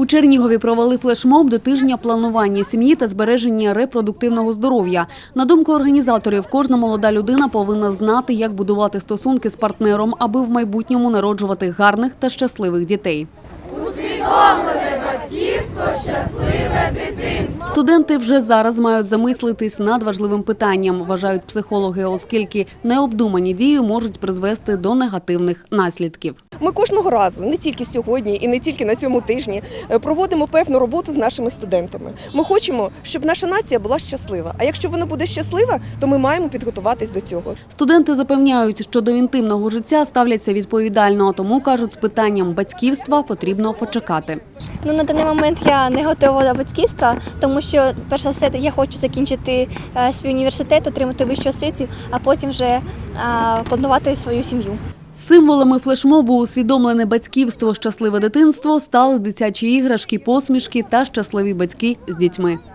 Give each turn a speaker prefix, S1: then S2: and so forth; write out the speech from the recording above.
S1: У Чернігові провели флешмоб до тижня планування сім'ї та збереження репродуктивного здоров'я. На думку організаторів, кожна молода людина повинна знати, як будувати стосунки з партнером, аби в майбутньому народжувати гарних та щасливих дітей.
S2: Усвідомлене батьківство, щасливе дитинство.
S1: Студенти вже зараз мають замислитись над важливим питанням, вважають психологи, оскільки необдумані дії можуть призвести до негативних наслідків.
S3: Ми кожного разу, не тільки сьогодні і не тільки на цьому тижні, проводимо певну роботу з нашими студентами. Ми хочемо, щоб наша нація була щаслива. А якщо вона буде щаслива, то ми маємо підготуватись до цього.
S1: Студенти запевняють, що до інтимного життя ставляться відповідально, тому, кажуть, з питанням батьківства потрібно почекати.
S4: На даний момент я не готова до батьківства, тому що, перш за все, я хочу закінчити свій університет, отримати вищу освіту, а потім вже планувати свою сім'ю.
S1: Символами флешмобу «Усвідомлене батьківство, щасливе дитинство» стали дитячі іграшки, посмішки та щасливі батьки з дітьми.